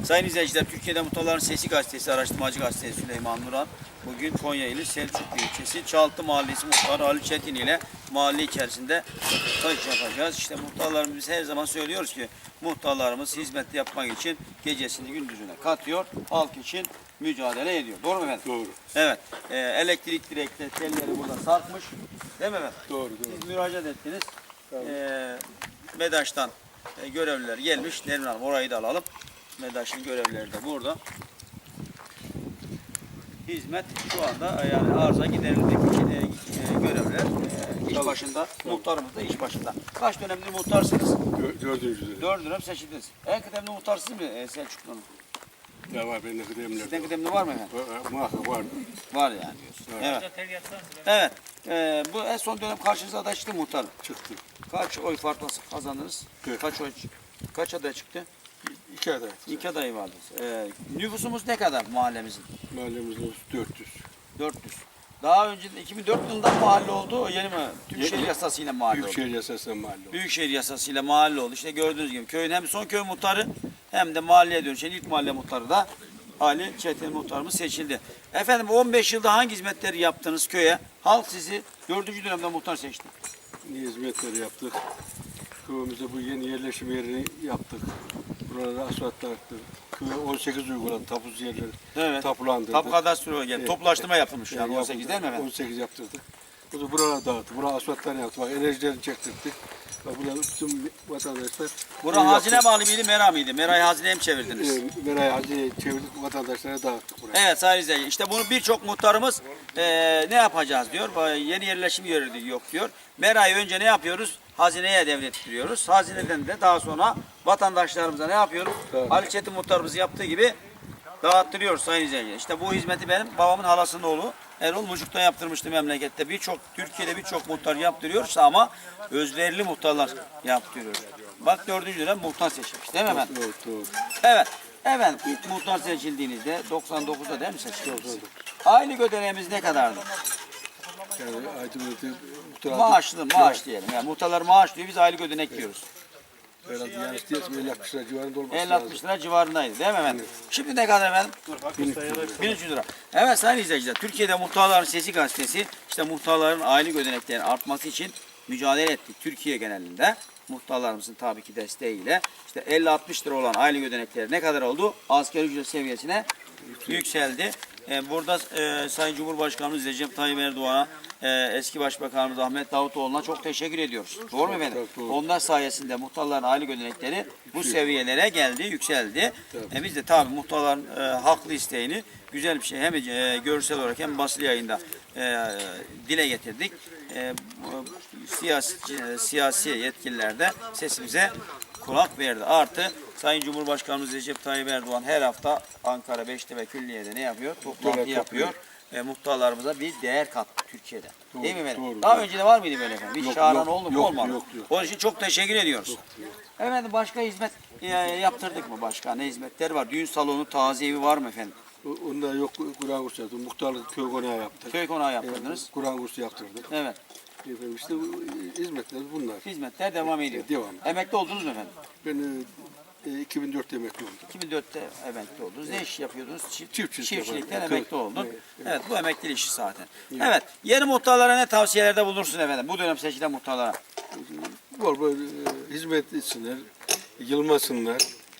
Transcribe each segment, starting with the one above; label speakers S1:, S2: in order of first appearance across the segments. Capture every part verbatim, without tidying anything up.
S1: Sayın izleyiciler, Türkiye'de Muhtarların Sesi Gazetesi, araştırmacı gazetesi Süleyman Nuran bugün Konya ili Selçuklu ilçesi Çaltı Mahallesi muhtarı Ali Çetin ile mahalle içerisinde röportaj yapacağız. İşte muhtarlarımız, biz her zaman söylüyoruz ki muhtarlarımız hizmet yapmak için gecesini gündüzüne katıyor, halk için mücadele ediyor. Doğru mu efendim?
S2: Doğru.
S1: Evet. E, elektrik direkleri, telleri burada sarkmış. Değil mi efendim?
S2: Doğru, doğru.
S1: Siz müracaat ettiniz. E, MEDAŞ'tan e, görevliler gelmiş. Nermin Hanım, orayı da alalım. MEDAŞ'ın görevlileri de burada. Hizmet şu anda yani arıza giderilmek için e, e, görevliler e, iş başında. Muhtarımız da iş başında. Kaç dönemdir muhtarsınız?
S2: Dö- Dördüncü dönem.
S1: Dört dönem seçildiniz. En kıdemli muhtar siz mi e, Selçuklu'nun?
S2: Ya var benim kıdemler.
S1: Sizden kıdemli var mı efendim?
S2: Va- Muhakkak var.
S1: Var yani diyorsun. Evet. Evet. E, bu en son dönem karşınıza aday çıktı muhtarım.
S2: Çıktı.
S1: Kaç oy farkla kazandınız?
S2: Evet.
S1: Kaç oy? Kaç aday çıktı?
S2: İki aday.
S1: İki aday vardı. E, nüfusumuz ne kadar mahallemizin?
S2: Mahallemizde dört yüz.
S1: dört yüz. Daha önce iki bin dört yılında mahalle oldu. Yeni mi? Büyükşehir
S2: Ye-
S1: yasasıyla mahalle oldu.
S2: Büyükşehir Yasası'ndan mahalle oldu.
S1: Büyükşehir yasasıyla mahalle oldu. İşte gördüğünüz gibi köyün hem son köy muhtarı hem de mahalleye dönüşen ilk mahalle muhtarı da Ali Çetin muhtarımız seçildi. Efendim on beş yılda hangi hizmetleri yaptınız köye? Halk sizi dördüncü dönemde muhtar seçti.
S2: Ne hizmetleri yaptık. Köyümüzde bu yeni yerleşim yerini yaptık. Buralara asfalt attık. Köye on sekiz uyguladı. Tapuz yerleri
S1: Evet.
S2: tapulandırdık.
S1: Tapu kadastro geldi.
S2: Evet.
S1: Toplaştırma yapılmış
S2: Evet,
S1: yani on sekiz
S2: yapıldı.
S1: değil mi efendim?
S2: on sekiz yaptırdık. Bu da buralara dağıttık. Buraya asfaltlarını yaptık. Bak enerjilerini çektirdik. Bak burada bütün vatandaşlar...
S1: Bura hazine bağlı mıydı, mera mıydı? Merayı hazineye mi çevirdiniz?
S2: E, Merayı hazineye çevirdik. Vatandaşlara dağıttık buraya.
S1: Evet sayın izleyiciler, işte bunu birçok muhtarımız eee, ne yapacağız diyor, Ba- yeni yerleşim yeri yok diyor. Merayı önce ne yapıyoruz? Hazineye devrettiriyoruz. Hazineden de daha sonra vatandaşlarımıza ne yapıyoruz?
S2: Evet.
S1: Ali Çetin muhtarımız yaptığı gibi dağıttırıyoruz sayın izleyiciler. İşte bu hizmeti benim babamın halasının oğlu Erol Mucuk'ta yaptırmıştı memlekette. Birçok Türkiye'de birçok muhtar yaptırıyorsa ama özverili muhtarlar yaptırıyor. Bak dördüncü dönem muhtar seçilmiş değil mi efendim?
S2: Doğru, doğru.
S1: Evet. Efendim ilk muhtar seçildiğinizde doksan dokuzda değil mi seçildiniz? Aylık ödeneğimiz ne kadardı?
S2: Yani Aydınlık'ta muhtar
S1: Maaşlı, maaş diyelim. Yani muhtarlar maaş diyor, biz aylık ödenek diyoruz.
S2: herhalde yani isteyesem elli altmış lira civarında olması
S1: elli
S2: lazım.
S1: altmış lira civarındaydı değil mi efendim? Şimdi ne kadar efendim? bin üç yüz lira. Evet sayın izleyiciler, Türkiye'de Muhtarların Sesi Gazetesi işte muhtarların aylık ödeneklerinin artması için mücadele ettik Türkiye genelinde. Muhtarlarımızın tabii ki desteğiyle işte elli altmış lira olan aylık ödenekleri ne kadar oldu? Asgari ücret seviyesine yükseldi. Ee, burada e, Sayın Cumhurbaşkanımız Recep Tayyip Erdoğan'a, e, eski Başbakanımız Ahmet Davutoğlu'na çok teşekkür ediyoruz. Doğru mu efendim?
S2: Çok doğru.
S1: Onlar sayesinde muhtarların aylık ödenekleri bu seviyelere geldi, yükseldi. E, biz de tabii muhtarların e, haklı isteğini güzel bir şey hem e, görsel olarak hem basılı yayında e, dile getirdik. E, bu, siyasi, e, siyasi yetkililer de sesimize kulak verdi. Artı Sayın Cumhurbaşkanımız Recep Tayyip Erdoğan her hafta Ankara Beştepe Külliye'de ne yapıyor? Toplantı
S2: Evet,
S1: yapıyor.
S2: yapıyor.
S1: E, muhtarlarımıza bir değer kattı Türkiye'de.
S2: Doğru,
S1: Değil mi efendim?
S2: doğru,
S1: Daha
S2: doğru.
S1: önce de var mıydı böyle efendim? Bir
S2: Yok,
S1: çağıran
S2: yok,
S1: oldu mu?
S2: yok,
S1: Olmadı.
S2: yok, yok.
S1: Onun için çok teşekkür ediyoruz. Efendim başka hizmet e, yaptırdık mı başka? Ne hizmetler var? Düğün salonu, taziye evi var mı efendim?
S2: O- Onda yok Kur'an kursu yaptık. Muhtarlık köy konağı yaptık.
S1: Köy konağı yaptırdınız.
S2: Kur'an kursu yaptırdık.
S1: Evet.
S2: Efendim işte bu hizmetler bunlar.
S1: Hizmetler devam ediyor.
S2: Devam.
S1: Emekli oldunuz mu efendim?
S2: Ben e, iki bin dörtte emekli oldum.
S1: iki bin dörtte emekli oldunuz. Ne iş yapıyordunuz? Çift,
S2: Çiftçilik
S1: çiftçilikten
S2: yaparım.
S1: emekli oldun.
S2: Evet,
S1: Evet,
S2: evet.
S1: bu emekli işi zaten. Evet. Yeni muhtarlara ne tavsiyelerde bulunursun efendim? Bu dönem seçilen muhtarlara.
S2: Bol bol e, hizmet etsinler, yılmasınlar,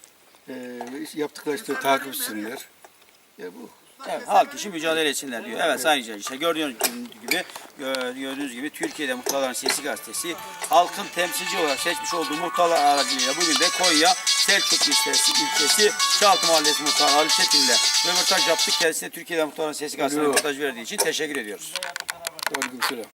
S2: e, yaptıkları işte takip etsinler. Ya bu.
S1: Evet, halk için mücadele etsinler diyor. Evet sayın izleyiciler, işte gördüğünüz gibi gördüğünüz gibi Türkiye'de Muhtarların Sesi Gazetesi halkın temsilci olarak seçmiş olduğu muhtarlar aracılığıyla bugün de Konya Selçuklu ilçesi, ilçesi Çaltı Mahallesi Muhtarı Ali Çetin ile röportaj yaptık. Kendisine Türkiye'de Muhtarların Sesi Gazetesi röportaj verdiği için teşekkür ediyoruz.
S2: Aleykümselam.